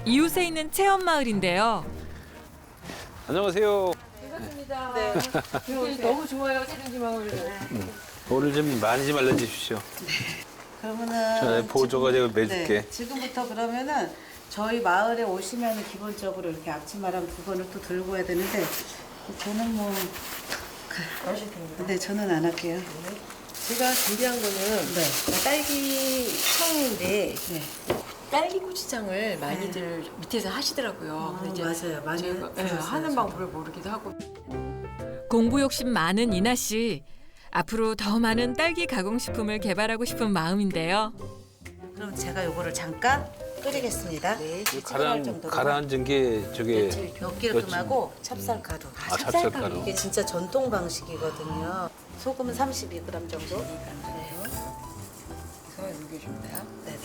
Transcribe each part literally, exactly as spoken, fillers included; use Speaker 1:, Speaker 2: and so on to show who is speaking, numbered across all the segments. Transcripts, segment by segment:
Speaker 1: 이웃에 있는 체험 마을인데요.
Speaker 2: 안녕하세요.
Speaker 3: 반갑습니다. 네. 너무 좋아요, 세린지 마을.
Speaker 2: 오늘 좀 많이 좀 알려주십시오.
Speaker 4: 그러면은
Speaker 2: 전에 보조가 되고 매줄게.
Speaker 4: 네, 지금부터 그러면은 저희 마을에 오시면은 기본적으로 이렇게 앞치마랑 두 번을 또 들고 해야 되는데 저는 뭐
Speaker 3: 하실 텐데.
Speaker 4: 근데 저는 안 할게요.
Speaker 3: 제가 준비한 거는
Speaker 4: 네.
Speaker 3: 딸기 청인데
Speaker 4: 네.
Speaker 3: 딸기 고추장을 많이들 밑에서 하시더라고요.
Speaker 4: 아,
Speaker 3: 근데
Speaker 4: 맞아요. 많이
Speaker 3: 제가 예,
Speaker 4: 들었어요,
Speaker 3: 하는
Speaker 4: 저도.
Speaker 3: 방법을 모르기도 하고.
Speaker 1: 공부 욕심 많은 이나 씨. 앞으로 더 많은 딸기 가공식품을 개발하고 싶은 마음인데요.
Speaker 4: 그럼 제가 요거를 잠깐 끓이겠습니다.
Speaker 3: 네.
Speaker 2: 가라앉, 가라앉은 게 저게
Speaker 4: 엿기름하고 찹쌀가루.
Speaker 2: 아, 찹쌀가루.
Speaker 4: 이게 진짜 전통 방식이거든요. 소금은 삼십이 그램 정도. 네.
Speaker 3: 그래서 녹여줍니다.
Speaker 4: 네네.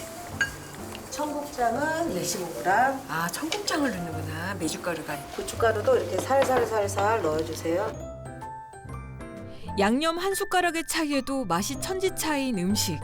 Speaker 4: 청국장은
Speaker 3: 네.
Speaker 4: 이십오 그램.
Speaker 3: 아, 청국장을 넣는구나. 메주가루가.
Speaker 4: 고춧가루도 이렇게 살살살살 넣어주세요.
Speaker 1: 양념 한 숟가락의 차이에도 맛이 천지 차이인 음식.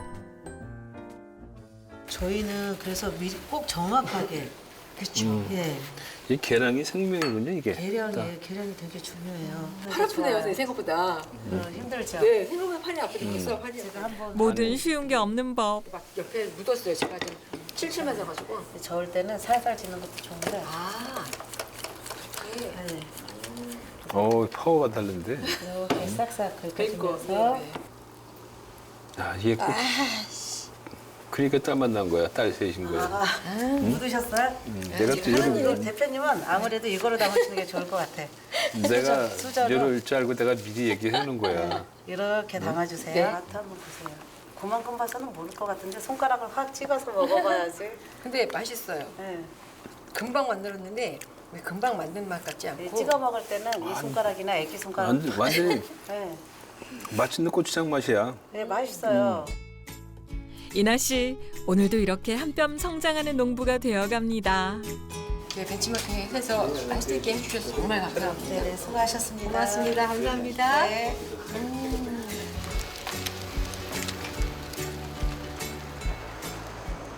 Speaker 4: 저희는 그래서 미리 꼭 정확하게.
Speaker 3: 그렇죠.
Speaker 2: 음.
Speaker 4: 예.
Speaker 2: 이 계량이 생명이군요, 이게.
Speaker 4: 계량이 계량이 되게 중요해요.
Speaker 3: 팔 아프네요, 제 생각보다.
Speaker 4: 어, 힘들죠.
Speaker 3: 네, 생각보다 팔이 아프겠어요. 팔이
Speaker 4: 제가 한번
Speaker 1: 뭐든 쉬운 게 없는 법.
Speaker 3: 막 옆에 묻었어요. 제가 좀 칠칠 맞아가지고.
Speaker 4: 저을 때는 살살 지는 것도 좋은데.
Speaker 3: 아, 그렇게.
Speaker 4: 네.
Speaker 2: 어 파워가 다른데.
Speaker 4: 이렇게 싹싹
Speaker 3: 그리고
Speaker 4: 긁어주면서.
Speaker 3: 네,
Speaker 2: 아, 이게 꼭. 그러니까 땀만 난 거야, 딸 셋인 거야.
Speaker 4: 아, 묻으셨어요?
Speaker 2: 음, 내가 또
Speaker 4: 대표님,
Speaker 2: 이런,
Speaker 4: 대표님은 아무래도 이거로 담으시는 게 좋을 것 같아.
Speaker 2: 내가
Speaker 4: 수저로.
Speaker 2: 이럴 줄 알고 내가 미리 얘기해 놓은 거야.
Speaker 4: 이렇게 담아주세요.
Speaker 3: 네.
Speaker 4: 맛 한번 보세요. 그만큼 봐서는 모를 것 같은데 손가락을 확 찍어서 먹어봐야지.
Speaker 3: 근데 맛있어요.
Speaker 4: 네.
Speaker 3: 금방 만들었는데 왜 금방 만든 맛 같지
Speaker 4: 이
Speaker 3: 않고.
Speaker 4: 찍어 먹을 때는 이 손가락이나 애기 손가락.
Speaker 2: 완전, 완전히
Speaker 4: 네.
Speaker 2: 맛있는 고추장 맛이야.
Speaker 4: 네, 맛있어요.
Speaker 1: 이나 씨, 오늘도 이렇게 한 뼘 성장하는 농부가 되어갑니다.
Speaker 3: 네, 벤치마킹 해서 맛있게 해주셔서 정말 감사합니다.
Speaker 4: 네, 네, 수고하셨습니다.
Speaker 3: 고맙습니다. 감사합니다.
Speaker 4: 네.